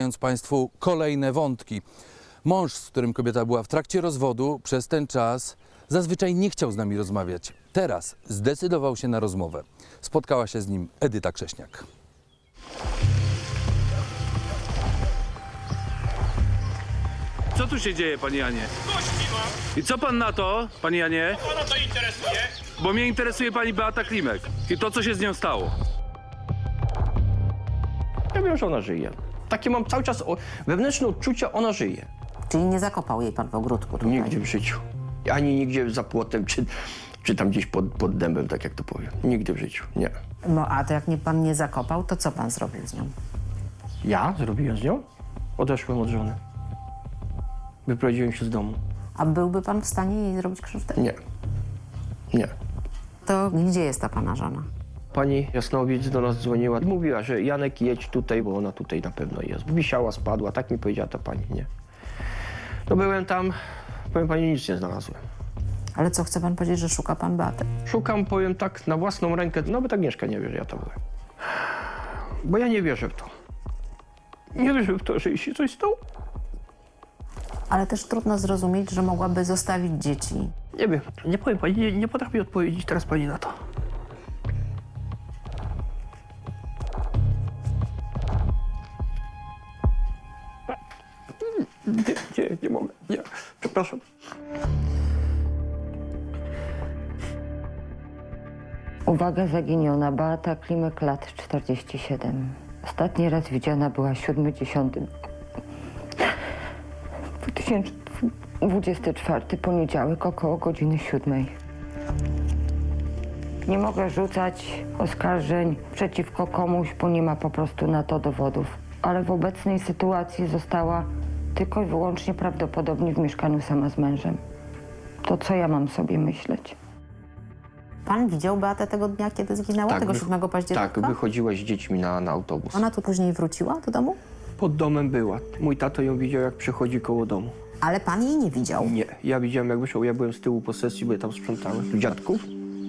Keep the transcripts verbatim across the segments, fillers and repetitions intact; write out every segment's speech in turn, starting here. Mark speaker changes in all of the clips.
Speaker 1: Państwu kolejne wątki. Mąż, z którym kobieta była w trakcie rozwodu, przez ten czas zazwyczaj nie chciał z nami rozmawiać. Teraz zdecydował się na rozmowę. Spotkała się z nim Edyta Krześniak.
Speaker 2: Co tu się dzieje, panie Janie?
Speaker 3: Gości mam.
Speaker 2: I co pan na to, panie Janie?
Speaker 3: Pana to interesuje?
Speaker 2: Bo mnie interesuje pani Beata Klimek i to, co się z nią stało.
Speaker 4: Ja wiem, że ona żyje. Takie mam cały czas o, wewnętrzne odczucie, ona żyje.
Speaker 5: Czyli nie zakopał jej pan w ogródku tutaj?
Speaker 4: Nigdzie w życiu. Ani nigdzie za płotem, czy, czy tam gdzieś pod, pod dębem, tak jak to powiem. Nigdy w życiu, nie.
Speaker 5: No a to jak nie, pan nie zakopał, to co pan zrobił z nią?
Speaker 4: Ja zrobiłem z nią? Odeszłem od żony. Wyprowadziłem się z domu.
Speaker 5: A byłby pan w stanie jej zrobić krzywdę?
Speaker 4: Nie. Nie.
Speaker 5: To gdzie jest ta pana żona?
Speaker 4: Pani Jasnowic do nas dzwoniła i mówiła, że Janek, jedź tutaj, bo ona tutaj na pewno jest. Wisiała, spadła, tak mi powiedziała ta pani, nie. No byłem tam, powiem pani, nic nie znalazłem.
Speaker 5: Ale co, chce pan powiedzieć, że szuka pan Beaty?
Speaker 4: Szukam, powiem tak, na własną rękę, nawet Agnieszka nie wie, że ja to byłem. Bo ja nie wierzę w to. Nie wierzę w to, że jej się coś stało.
Speaker 5: Ale też trudno zrozumieć, że mogłaby zostawić dzieci.
Speaker 4: Nie wiem, nie powiem pani, nie, nie potrafię odpowiedzieć teraz pani na to. Nie, nie, nie mogę, nie, przepraszam.
Speaker 6: Uwaga, zaginiona Beata Klimek, lat czterdzieści siedem. Ostatni raz widziana była siódmego dziesiątego dwa tysiące dwudziestego czwartego, poniedziałek, około godziny siódmej. Nie mogę rzucać oskarżeń przeciwko komuś, bo nie ma po prostu na to dowodów. Ale w obecnej sytuacji została tylko i wyłącznie prawdopodobnie w mieszkaniu sama z mężem. To co ja mam sobie myśleć?
Speaker 5: Pan widział Beatę tego dnia, kiedy zginęła? tego
Speaker 4: wych-
Speaker 5: siódmego października?
Speaker 4: Tak, wychodziła z dziećmi na, na autobus.
Speaker 5: Ona tu później wróciła do domu?
Speaker 4: Pod domem była. Mój tato ją widział, jak przechodzi koło domu.
Speaker 5: Ale pan jej nie widział.
Speaker 4: Nie, ja widziałem, jak wyszło, ja byłem z tyłu posesji, bo ja tam sprzątałem. Dziadków?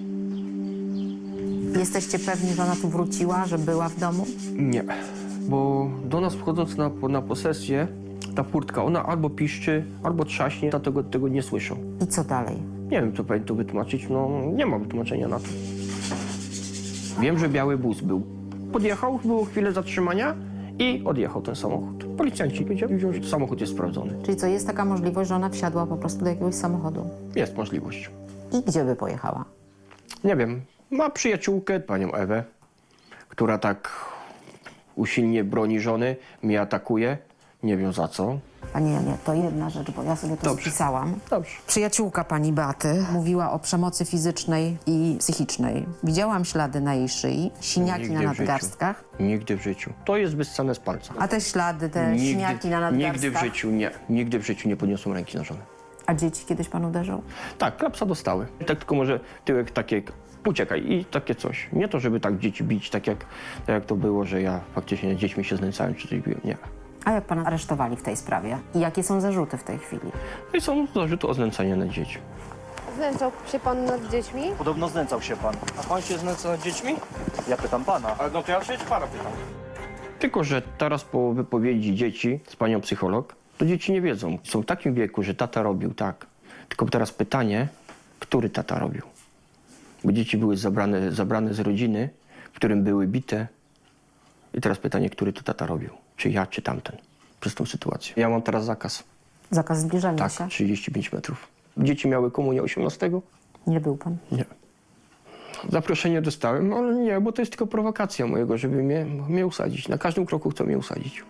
Speaker 5: Jesteście pewni, że ona tu wróciła, że była w domu?
Speaker 4: Nie, bo do nas wchodząc na, na posesję, ta furtka, ona albo piszczy, albo trzaśnie, dlatego tego nie słyszą.
Speaker 5: I co dalej?
Speaker 4: Nie wiem, co pani tu wytłumaczyć, no nie ma wytłumaczenia na to. Wiem, że biały bus był. Podjechał, było chwilę zatrzymania i odjechał ten samochód. Policjanci wiedzieli, że samochód jest sprawdzony.
Speaker 5: Czyli co, jest taka możliwość, że ona wsiadła po prostu do jakiegoś samochodu?
Speaker 4: Jest możliwość.
Speaker 5: I gdzie by pojechała?
Speaker 4: Nie wiem, ma przyjaciółkę, panią Ewę, która tak usilnie broni żony, mnie atakuje. Nie wiem za co.
Speaker 5: Panie Janie, to jedna rzecz, bo ja sobie to
Speaker 4: Dobrze.
Speaker 5: spisałam.
Speaker 4: Dobrze.
Speaker 5: Przyjaciółka pani Beaty mówiła o przemocy fizycznej i psychicznej. Widziałam ślady na jej szyi, siniaki
Speaker 4: Nigdy
Speaker 5: na
Speaker 4: w życiu.
Speaker 5: nadgarstkach.
Speaker 4: Nigdy w życiu. To jest wyssane z palca.
Speaker 5: A te ślady, te siniaki na nadgarstkach?
Speaker 4: Nigdy w życiu nie. Nigdy w życiu nie podniosłem ręki na żonę.
Speaker 5: A dzieci kiedyś pan uderzył?
Speaker 4: Tak, klapsa dostały. Tak tylko może tyłek takie, uciekaj i takie coś. Nie to, żeby tak dzieci bić, tak jak, tak jak to było, że ja faktycznie dziećmi się znęcałem czy coś biłem. Nie.
Speaker 5: A jak pana aresztowali w tej sprawie? I jakie są zarzuty w tej chwili?
Speaker 4: No i są zarzuty o znęcanie nad dziećmi.
Speaker 7: Znęcał się pan nad dziećmi?
Speaker 8: Podobno znęcał się pan. A pan się znęca nad dziećmi? Ja pytam pana. A no to ja się pana pytam.
Speaker 4: Tylko że teraz po wypowiedzi dzieci z panią psycholog, to dzieci nie wiedzą. Są w takim wieku, że tata robił tak. Tylko teraz pytanie, który tata robił? Bo dzieci były zabrane, zabrane z rodziny, w którym były bite. I teraz pytanie, który to tata robił? Czy ja, czy tamten? Przez tą sytuację. Ja mam teraz zakaz.
Speaker 5: Zakaz zbliżania
Speaker 4: Tak,
Speaker 5: się?
Speaker 4: trzydzieści pięć metrów. Dzieci miały komunię osiemnastego?
Speaker 5: Nie był pan?
Speaker 4: Nie. Zaproszenie dostałem, ale nie, bo to jest tylko prowokacja mojego, żeby mnie, mnie usadzić. Na każdym kroku chcą mnie usadzić.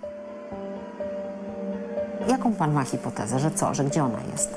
Speaker 5: Jaką pan ma hipotezę, że co, że gdzie ona jest?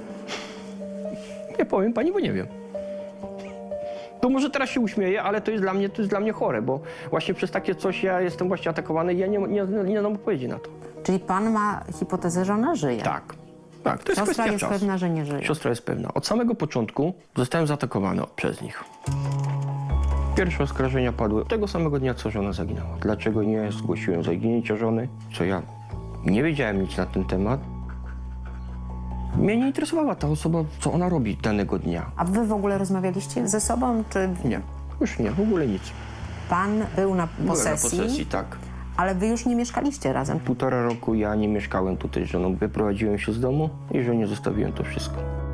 Speaker 4: Nie powiem pani, bo nie wiem. To może teraz się uśmieję, ale to jest dla mnie, to jest dla mnie chore, bo właśnie przez takie coś ja jestem właśnie atakowany i ja nie, nie, nie dam odpowiedzi na to.
Speaker 5: Czyli pan ma hipotezę, że ona żyje?
Speaker 4: Tak. Tak, to jest
Speaker 5: Siostra
Speaker 4: kwestia
Speaker 5: jest
Speaker 4: czasu.
Speaker 5: pewna, że nie żyje.
Speaker 4: Siostra jest pewna. Od samego początku zostałem zaatakowany przez nich. Pierwsze oskarżenia padły tego samego dnia, co żona zaginęła. Dlaczego nie zgłosiłem zaginięcia żony? Co ja nie wiedziałem nic na ten temat. Mnie nie interesowała ta osoba, co ona robi danego dnia.
Speaker 5: A wy w ogóle rozmawialiście ze sobą, czy
Speaker 4: Nie, już nie, w ogóle nic.
Speaker 5: pan był na
Speaker 4: Byłem
Speaker 5: posesji,
Speaker 4: na posesji, tak.
Speaker 5: Ale wy już nie mieszkaliście razem.
Speaker 4: Półtora roku ja nie mieszkałem tutaj z żoną. Wyprowadziłem się z domu i żonie zostawiłem to wszystko.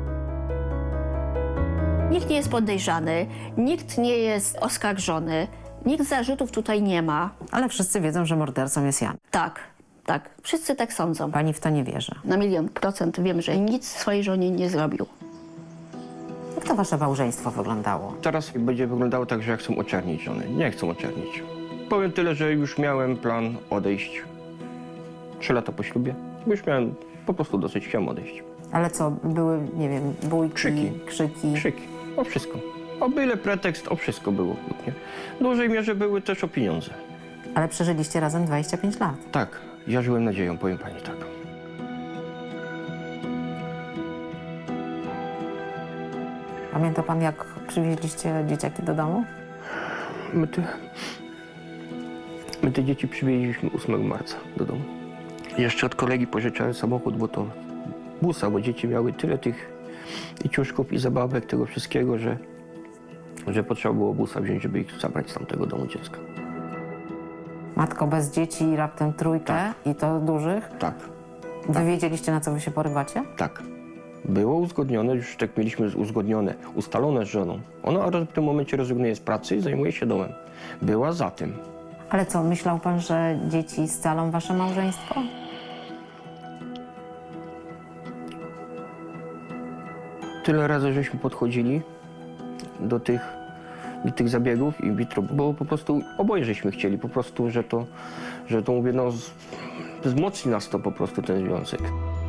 Speaker 9: Nikt nie jest podejrzany, nikt nie jest oskarżony, nikt zarzutów tutaj nie ma.
Speaker 5: Ale wszyscy wiedzą, że mordercą jest Jan.
Speaker 9: Tak, tak, wszyscy tak sądzą.
Speaker 5: Pani w to nie wierzy.
Speaker 9: Na milion procent wiem, że nic swojej żonie nie zrobił.
Speaker 5: Jak to wasze małżeństwo wyglądało?
Speaker 4: Teraz będzie wyglądało tak, że ja chcę oczernić żonę. Nie chcę oczernić. Powiem tyle, że już miałem plan odejść. Trzy lata po ślubie. Już miałem po prostu dosyć, chciałem odejść.
Speaker 5: Ale co, były, nie wiem, bójki,
Speaker 4: Krzyki.
Speaker 5: krzyki?
Speaker 4: Krzyki. O wszystko. O byle pretekst, o wszystko było kłótnie. W dużej mierze były też o pieniądze.
Speaker 5: Ale przeżyliście razem dwadzieścia pięć lat.
Speaker 4: Tak, ja żyłem nadzieją, powiem pani tak.
Speaker 5: Pamięta pan, jak przywieźliście dzieciaki do domu?
Speaker 4: My te, my te dzieci przywieźliśmy ósmego marca do domu. Jeszcze od kolegi pożyczałem samochód, bo to busa, bo dzieci miały tyle tych i ciuszków, i zabawek, tego wszystkiego, że, że potrzeba było busa wziąć, żeby ich zabrać z tamtego domu dziecka.
Speaker 5: Matko bez dzieci i raptem trójkę i to dużych?
Speaker 4: Tak,
Speaker 5: Wy wiedzieliście, na co wy się porywacie?
Speaker 4: tak. Było uzgodnione, już tak mieliśmy uzgodnione, ustalone z żoną. Ona w tym momencie rezygnuje z pracy i zajmuje się domem. Była za tym.
Speaker 5: Ale co, myślał pan, że dzieci scalą wasze małżeństwo?
Speaker 4: Tyle razy żeśmy podchodzili do tych, do tych zabiegów in vitro, bo po prostu oboje żeśmy chcieli, po prostu, że to, że to mówię, no, z- wzmocni nas to po prostu ten związek.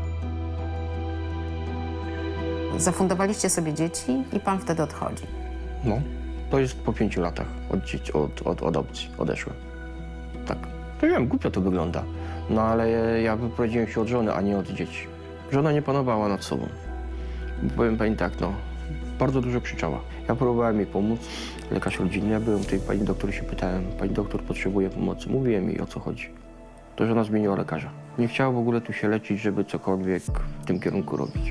Speaker 5: Zafundowaliście sobie dzieci i pan wtedy odchodzi.
Speaker 4: No, to jest po pięciu latach od, dzieci, od, od, od adopcji odeszłem. Tak. No wiem, głupio to wygląda, no ale ja wyprowadziłem się od żony, a nie od dzieci. Żona nie panowała nad sobą. Powiem pani tak, no, bardzo dużo krzyczała. Ja próbowałem jej pomóc, lekarz rodzinny, ja byłem tej pani doktor, się pytałem, pani doktor potrzebuje pomocy. Mówiłem jej, o co chodzi. To żona zmieniła lekarza. Nie chciała w ogóle tu się leczyć, żeby cokolwiek w tym kierunku robić.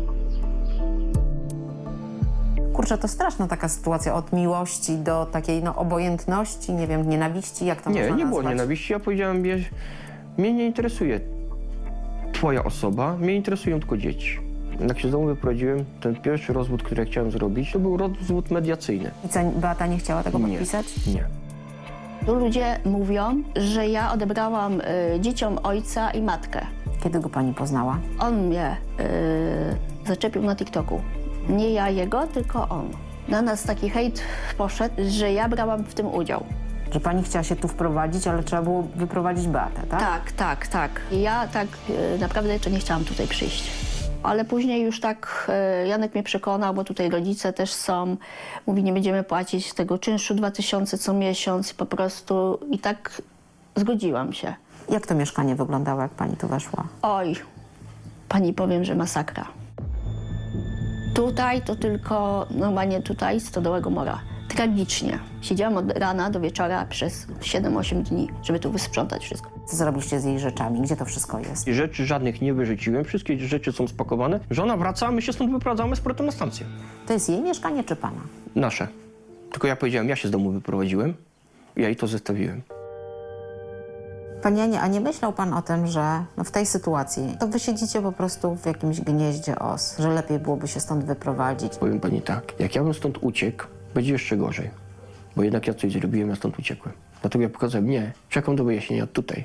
Speaker 5: Kurczę, to straszna taka sytuacja od miłości do takiej no, obojętności, nie wiem, nienawiści, jak to
Speaker 4: Nie,
Speaker 5: można
Speaker 4: nie było
Speaker 5: nazwać?
Speaker 4: nienawiści. Ja powiedziałem, mnie, mnie nie interesuje twoja osoba, mnie interesują tylko dzieci. Jak się z domu wyprowadziłem, ten pierwszy rozwód, który ja chciałem zrobić, to był rozwód mediacyjny.
Speaker 5: I co, Beata nie chciała tego
Speaker 4: Nie.
Speaker 5: podpisać?
Speaker 4: Nie.
Speaker 9: Tu ludzie mówią, że ja odebrałam y, dzieciom ojca i matkę.
Speaker 5: Kiedy go pani poznała?
Speaker 9: On mnie y, zaczepił na TikToku. Nie ja jego, tylko on. Na nas taki hejt poszedł, że ja brałam w tym udział.
Speaker 5: Że pani chciała się tu wprowadzić, ale trzeba było wyprowadzić Beatę, tak?
Speaker 9: Tak, tak, tak. I ja tak y, naprawdę jeszcze nie chciałam tutaj przyjść. Ale później już tak y, Janek mnie przekonał, bo tutaj rodzice też są. Mówi, nie będziemy płacić tego czynszu dwa tysiące co miesiąc po prostu. I tak zgodziłam się.
Speaker 5: Jak to mieszkanie wyglądało, jak pani tu weszła?
Speaker 9: Oj, pani powiem, że masakra. Tutaj to tylko, normalnie tutaj, Stodołego Mora. Tragicznie. Siedziałam od rana do wieczora przez siedem osiem dni, żeby tu wysprzątać wszystko.
Speaker 5: Co zrobiliście z jej rzeczami? Gdzie to wszystko jest?
Speaker 4: I rzeczy żadnych nie wyrzuciłem, wszystkie rzeczy są spakowane. Żona wraca, a my się stąd wyprowadzamy z powrotem na stację.
Speaker 5: To jest jej mieszkanie czy pana?
Speaker 4: Nasze. Tylko ja powiedziałem, ja się z domu wyprowadziłem, ja jej to zostawiłem.
Speaker 5: Panie Janie, a nie myślał pan o tym, że no w tej sytuacji to wy siedzicie po prostu w jakimś gnieździe os, że lepiej byłoby się stąd wyprowadzić?
Speaker 4: Powiem pani tak, jak ja bym stąd uciekł, będzie jeszcze gorzej. Bo jednak ja coś zrobiłem, ja stąd uciekłem. Dlatego ja pokazałem, nie, czekam do wyjaśnienia tutaj.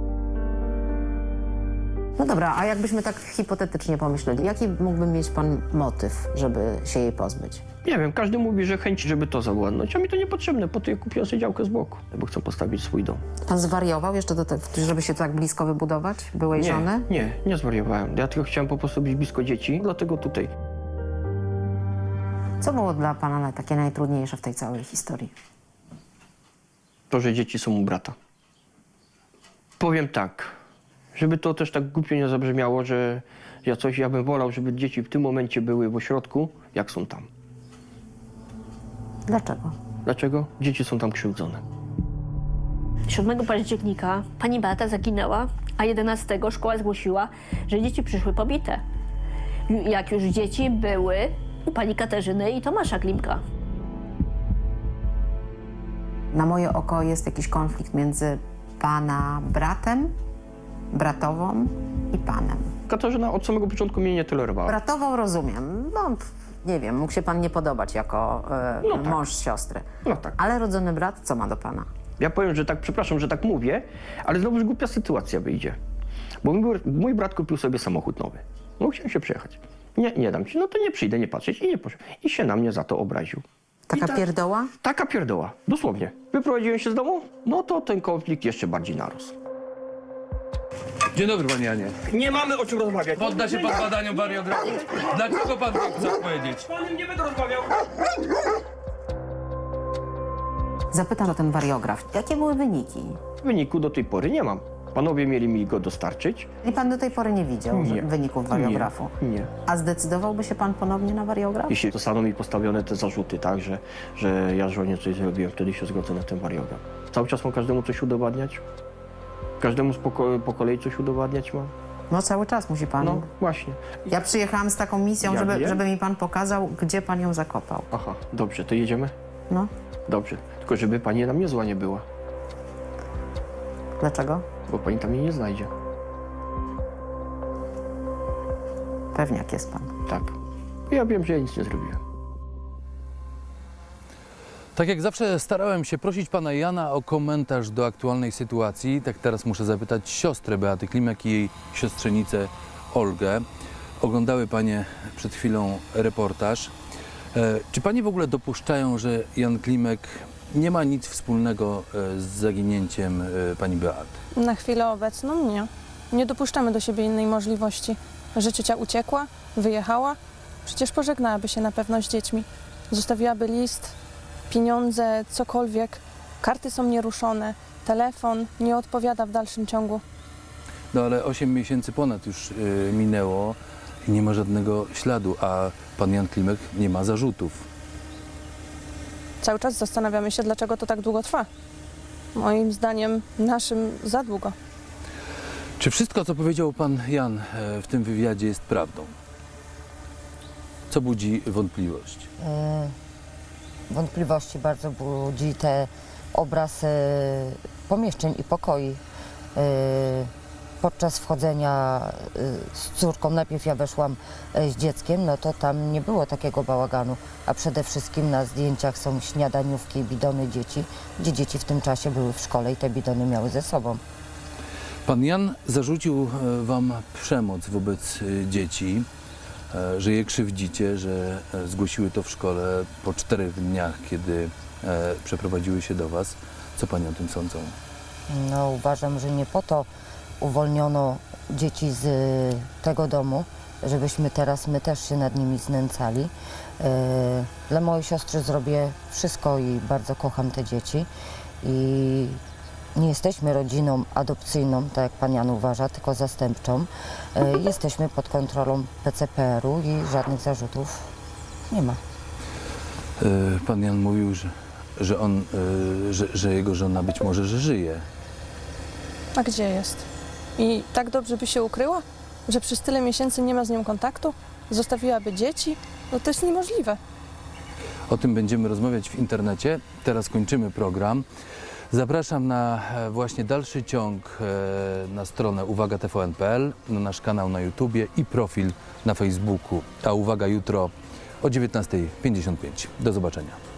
Speaker 5: No dobra, a jakbyśmy tak hipotetycznie pomyśleli, jaki mógłby mieć pan motyw, żeby się jej pozbyć?
Speaker 4: Nie wiem, każdy mówi, że chęci, żeby to zawładnąć, a mi to niepotrzebne, po to ja kupiłem sobie działkę z boku, bo chcę postawić swój dom.
Speaker 5: Pan zwariował jeszcze do tego, żeby się tak blisko wybudować byłej
Speaker 4: Nie,
Speaker 5: żony?
Speaker 4: nie, nie zwariowałem. Ja tylko chciałem po prostu być blisko dzieci, dlatego tutaj.
Speaker 5: Co było dla pana na- takie najtrudniejsze w tej całej historii?
Speaker 4: To, że dzieci są u brata. Powiem tak, żeby to też tak głupio nie zabrzmiało, że ja coś, ja bym wolał, żeby dzieci w tym momencie były w ośrodku, jak są tam.
Speaker 5: Dlaczego?
Speaker 4: Dlaczego? Dzieci są tam krzywdzone.
Speaker 9: siódmego października pani Beata zaginęła, a jedenastego szkoła zgłosiła, że dzieci przyszły pobite. Ju- Jak już dzieci były u pani Katarzyny i Tomasza Klimka.
Speaker 5: Na moje oko jest jakiś konflikt między pana bratem, bratową i panem.
Speaker 4: Katarzyna od samego początku mnie nie tolerowała.
Speaker 5: Bratową rozumiem, no pff, nie wiem, mógł się pan nie podobać jako e,
Speaker 4: No tak.
Speaker 5: mąż siostry.
Speaker 4: No tak.
Speaker 5: Ale rodzony brat co ma do pana?
Speaker 4: Ja powiem, że tak, przepraszam, że tak mówię, ale znowuż głupia sytuacja wyjdzie. Bo mój, mój brat kupił sobie samochód nowy. No chciałem się przejechać. Nie, nie dam ci, no to nie przyjdę, nie patrzeć i nie poszedł. I się na mnie za to obraził.
Speaker 5: Taka
Speaker 4: I tak-
Speaker 5: pierdoła?
Speaker 4: Taka pierdoła, dosłownie. Wyprowadziłem się z domu, no to ten konflikt jeszcze bardziej narósł.
Speaker 1: Dzień dobry, panie Janie.
Speaker 8: Nie mamy o czym rozmawiać.
Speaker 1: Podda się pan badaniom wariografii. Dlaczego pan tak chce powiedzieć?
Speaker 8: Z panem nie będę rozmawiał.
Speaker 5: Zapytam o ten wariograf. Jakie były wyniki?
Speaker 4: Wyniku do tej pory nie mam. Panowie mieli mi go dostarczyć.
Speaker 5: I pan do tej pory nie widział
Speaker 4: Nie.
Speaker 5: że- wyników wariografu?
Speaker 4: Nie, nie.
Speaker 5: A zdecydowałby się pan ponownie na wariograf?
Speaker 4: Jeśli zostaną mi postawione te zarzuty, tak, że, że ja żonie coś zrobiłem, wtedy się zgodzę na ten wariograf. Cały czas mam każdemu coś udowadniać? Każdemu z poko- po kolei coś udowadniać mam?
Speaker 5: No cały czas musi pan.
Speaker 4: No właśnie.
Speaker 5: Ja przyjechałam z taką misją,
Speaker 4: Ja
Speaker 5: żeby,
Speaker 4: wiem.
Speaker 5: żeby mi pan pokazał, gdzie pan ją zakopał.
Speaker 4: Aha, dobrze, to jedziemy?
Speaker 5: No,
Speaker 4: Dobrze. Tylko żeby pani na mnie zła nie była,
Speaker 5: dlaczego?
Speaker 4: bo pani tam mnie nie znajdzie.
Speaker 5: Pewniak jest pan.
Speaker 4: Tak. Ja wiem, że ja nic nie zrobiłem.
Speaker 1: Tak jak zawsze starałem się prosić pana Jana o komentarz do aktualnej sytuacji, tak teraz muszę zapytać siostrę Beaty Klimek i jej siostrzenicę Olgę. Oglądały panie przed chwilą reportaż. E, czy panie w ogóle dopuszczają, że Jan Klimek nie ma nic wspólnego e, z zaginięciem e, pani Beaty?
Speaker 10: Na chwilę obecną nie. Nie dopuszczamy do siebie innej możliwości. Że ciocia uciekła, wyjechała, przecież pożegnałaby się na pewno z dziećmi. Zostawiłaby list, pieniądze, cokolwiek. Karty są nieruszone, telefon nie odpowiada w dalszym ciągu.
Speaker 1: No ale osiem miesięcy ponad już e, minęło i nie ma żadnego śladu, a pan Jan Klimek nie ma zarzutów.
Speaker 10: Cały czas zastanawiamy się, dlaczego to tak długo trwa. Moim zdaniem naszym za długo.
Speaker 1: Czy wszystko, co powiedział pan Jan e, w tym wywiadzie jest prawdą? Co budzi wątpliwość?
Speaker 11: E, Wątpliwości bardzo budzi te obraz e, pomieszczeń i pokoi. E, Podczas wchodzenia e, z córką, najpierw ja weszłam e, z dzieckiem, no to tam nie było takiego bałaganu, a przede wszystkim na zdjęciach są śniadaniówki i bidony dzieci, gdzie dzieci w tym czasie były w szkole i te bidony miały ze sobą.
Speaker 1: Pan Jan zarzucił e, wam przemoc wobec e, dzieci, e, że je krzywdzicie, że e, zgłosiły to w szkole po czterech dniach, kiedy e, przeprowadziły się do was. Co panie o tym sądzą?
Speaker 11: No, uważam, że nie po to uwolniono dzieci z tego domu, żebyśmy teraz my też się nad nimi znęcali. E, Dla mojej siostry zrobię wszystko i bardzo kocham te dzieci. I nie jesteśmy rodziną adopcyjną, tak jak pan Jan uważa, tylko zastępczą. E, Jesteśmy pod kontrolą P C P R u i żadnych zarzutów nie ma.
Speaker 1: E, pan Jan mówił, że, że, on, e, że, że jego żona być może że żyje.
Speaker 10: A gdzie jest? I tak dobrze by się ukryła? Że przez tyle miesięcy nie ma z nią kontaktu? Zostawiłaby dzieci? No to jest niemożliwe.
Speaker 1: O tym będziemy rozmawiać w internecie. Teraz kończymy program. Zapraszam na e, właśnie dalszy ciąg e, na stronę uwaga t v n kropka p l, na nasz kanał na YouTubie i profil na Facebooku. A uwaga jutro o dziewiętnastej pięćdziesiąt pięć. Do zobaczenia.